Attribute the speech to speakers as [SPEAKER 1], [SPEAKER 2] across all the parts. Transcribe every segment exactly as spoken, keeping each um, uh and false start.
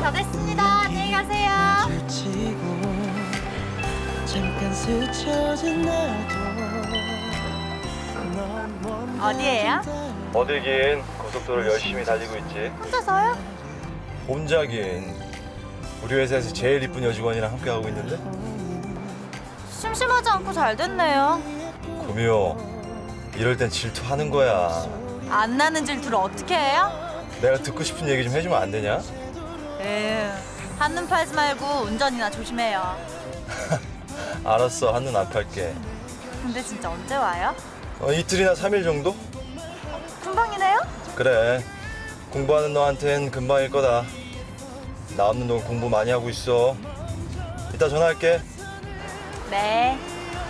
[SPEAKER 1] 다 됐습니다. 안녕히 가세요. 어디예요?
[SPEAKER 2] 어디긴 고속도로를 열심히 달리고 있지.
[SPEAKER 1] 혼자서요?
[SPEAKER 2] 혼자긴. 우리 회사에서 제일 이쁜 여직원이랑 함께 하고 있는데.
[SPEAKER 1] 심심하지 않고 잘 됐네요.
[SPEAKER 2] 구미호, 이럴 땐 질투하는 거야.
[SPEAKER 1] 안 나는 질투를 어떻게 해요?
[SPEAKER 2] 내가 듣고 싶은 얘기 좀 해주면 안 되냐?
[SPEAKER 1] 에휴, 한눈 팔지 말고 운전이나 조심해요.
[SPEAKER 2] 알았어, 한눈 안 팔게.
[SPEAKER 1] 근데 진짜 언제 와요?
[SPEAKER 2] 어, 이틀이나 삼 일 정도?
[SPEAKER 1] 금방이네요?
[SPEAKER 2] 그래, 공부하는 너한텐 금방일 거다. 나 없는 동안 공부 많이 하고 있어. 이따 전화할게.
[SPEAKER 1] 네.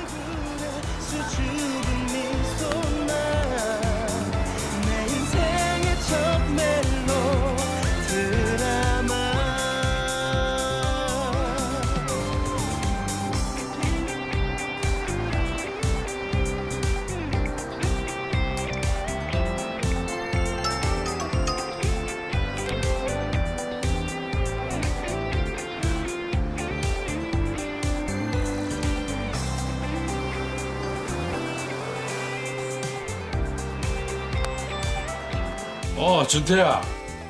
[SPEAKER 3] 어, 준태야.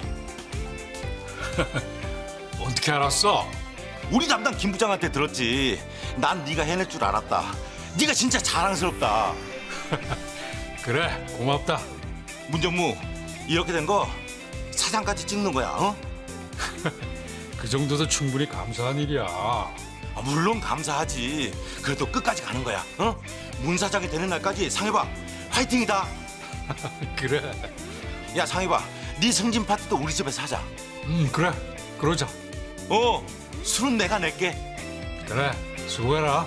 [SPEAKER 3] 어떻게 알았어?
[SPEAKER 4] 우리 담당 김 부장한테 들었지. 난 네가 해낼 줄 알았다. 네가 진짜 자랑스럽다.
[SPEAKER 3] 그래, 고맙다.
[SPEAKER 4] 문정무, 이렇게 된 거 사장까지 찍는 거야, 어?
[SPEAKER 3] 그 정도도 충분히 감사한 일이야.
[SPEAKER 4] 아, 물론 감사하지. 그래도 끝까지 가는 거야, 어? 문 사장이 되는 날까지 상해봐. 화이팅이다.
[SPEAKER 3] 그래.
[SPEAKER 4] 야, 상해봐. 네 승진 파티도 우리 집에서 하자.
[SPEAKER 3] 음, 그래. 그러자.
[SPEAKER 4] 어, 술은 내가 낼게.
[SPEAKER 3] 그래, 수고해라.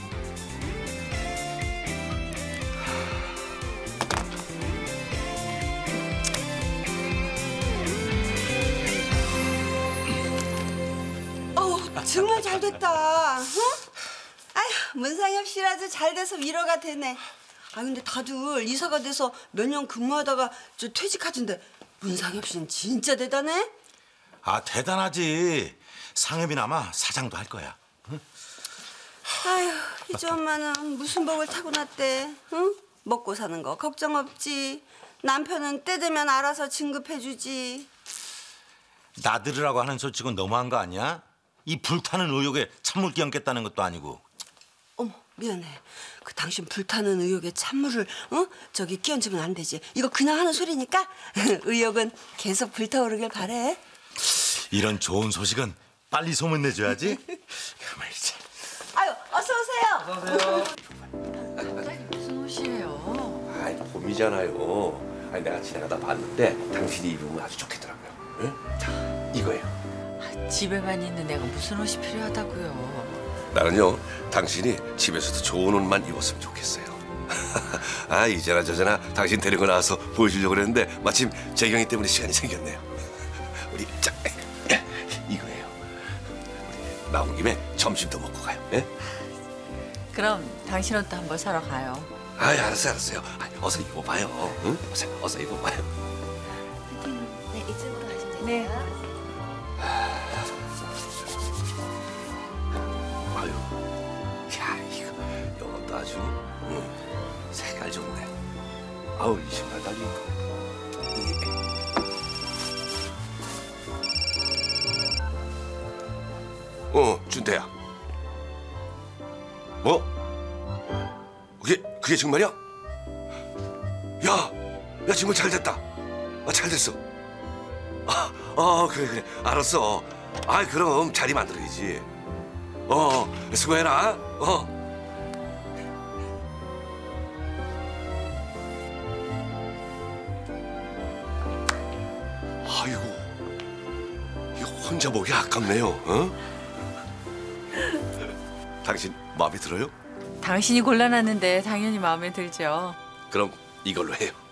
[SPEAKER 5] 어우, 정말 잘 됐다. 응? 아휴, 문상엽 씨라도 잘 돼서 위로가 되네. 아, 근데 다들 이사가 돼서 몇 년 근무하다가 저 퇴직하던데 문상엽 씨는 진짜 대단해?
[SPEAKER 4] 아, 대단하지. 상엽이나마 사장도 할 거야. 응?
[SPEAKER 5] 아휴, 이제 엄마는 무슨 복을 타고났대. 응? 먹고 사는 거 걱정 없지. 남편은 때 되면 알아서 진급해주지.
[SPEAKER 4] 나들으라고 하는 솔직은 너무한 거 아니야? 이 불타는 의욕에 찬물 끼얹겠다는 것도 아니고.
[SPEAKER 5] 어머, 미안해. 그 당신 불타는 의욕에 찬물을 어? 저기 끼얹으면 안 되지. 이거 그냥 하는 소리니까 의욕은 계속 불타오르길 바래.
[SPEAKER 4] 이런 좋은 소식은 빨리 소문내줘야지. 가만히 있자.
[SPEAKER 5] 아유, 어서 오세요.
[SPEAKER 6] 무슨 옷이에요?
[SPEAKER 7] 아이, 봄이잖아요. 아니, 내가 지나가다 봤는데 당신이 입으면 아주 좋겠더라고요. 응? 자, 이거예요.
[SPEAKER 6] 아, 집에만 있는 내가 무슨 옷이 필요하다고요?
[SPEAKER 7] 나는요, 당신이 집에서도 좋은 옷만 입었으면 좋겠어요. 아, 이제나 저제나 당신 데리고 나와서 보여주려고 그랬는데 마침 재경이 때문에 시간이 생겼네요. 우리 자, 이거예요. 우리 나온 김에 점심도 먹고 가요. 예?
[SPEAKER 6] 그럼 당신 옷도 한번 사러 가요.
[SPEAKER 7] 아, 알았어요, 알았어요. 아, 어서 입어봐요. 응? 어서, 어서 입어봐요.
[SPEAKER 1] 네, 이쪽으로 가시면 돼요.
[SPEAKER 6] 네.
[SPEAKER 7] 아유, 야, 이거 이것도 아주 응, 색깔 좋네. 아우, 이 신발 달린 거. 어, 준태야. 뭐? 그게 그게 정말이야? 야, 야, 정말 잘 됐다. 아, 잘 됐어. 아, 어, 그래 그래, 알았어. 아, 그럼 자리 만들어야지. 어, 수고해라. 어. 아이고, 이거 혼자 보기 아깝네요. 어? 당신 마음에 들어요?
[SPEAKER 6] 당신이 골라놨는데 당연히 마음에 들죠.
[SPEAKER 7] 그럼 이걸로 해요.